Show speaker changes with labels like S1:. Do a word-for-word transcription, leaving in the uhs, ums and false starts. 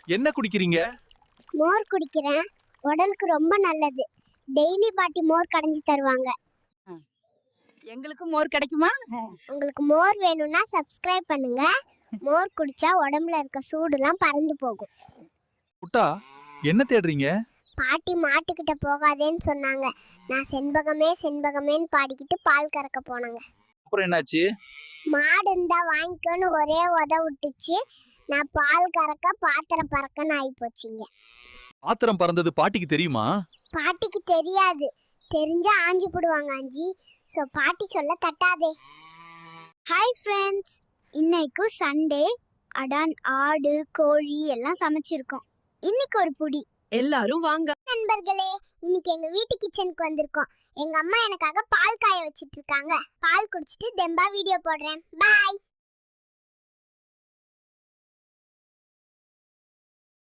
S1: என்ன குடிக்கிறீங்க?
S2: மோர் குடிக்கிறேன். உடலுக்கு ரொம்ப நல்லது. டெய்லி பாட்டி மோர் கடைஞ்சி தருவாங்க.
S3: எங்களுக்கு மோர் கிடைக்குமா?
S2: உங்களுக்கு மோர் வேணும்னா சப்ஸ்கிரைப் பண்ணுங்க. மோர் குடிச்சா உடம்புல இருக்க சூடுலாம் பறந்து போகும்.
S1: புட்டா, என்ன தேடுறீங்க?
S2: பாட்டி மாட்டுக்கிட்ட போகாதேன்னு சொன்னாங்க. நான் செண்பகமே செண்பகமேன்னு பாடிக்கிட்டு பால் கறக்க போனாங்க.
S1: அப்புறம் என்னாச்சு?
S2: மாடு இருந்தா வாங்கிக்கோன்னு ஒரே உத விட்டுச்சு. நான் பால் கறக்க பாத்திரம் பறக்கன்னு ஆகி போச்சுங்க.
S1: பாத்திரம் பறந்தது பாட்டிக்கு தெரியுமா?
S2: பாட்டிக்கு தெரியாது. தெரிஞ்சா ஆஞ்சி போடுவாங்க ஆஞ்சி. ஸோ பாட்டி சொல்ல தட்டாதே. ஹாய் ஃப்ரெண்ட்ஸ், இன்னைக்கு சண்டே. அடான் ஆடு கோழி எல்லாம் சமைச்சிருக்கோம். இன்னைக்கு ஒரு புடி.
S3: எல்லாரும் வாங்க
S2: நண்பர்களே, இன்னைக்கு எங்க வீட்டு கிச்சனுக்கு வந்திருக்கோம். எங்க அம்மா எனக்காக பால் காய வச்சிட்டு இருக்காங்க. பால் குடிச்சிட்டு தெம்பா வீடியோ போடுறேன். பாய்.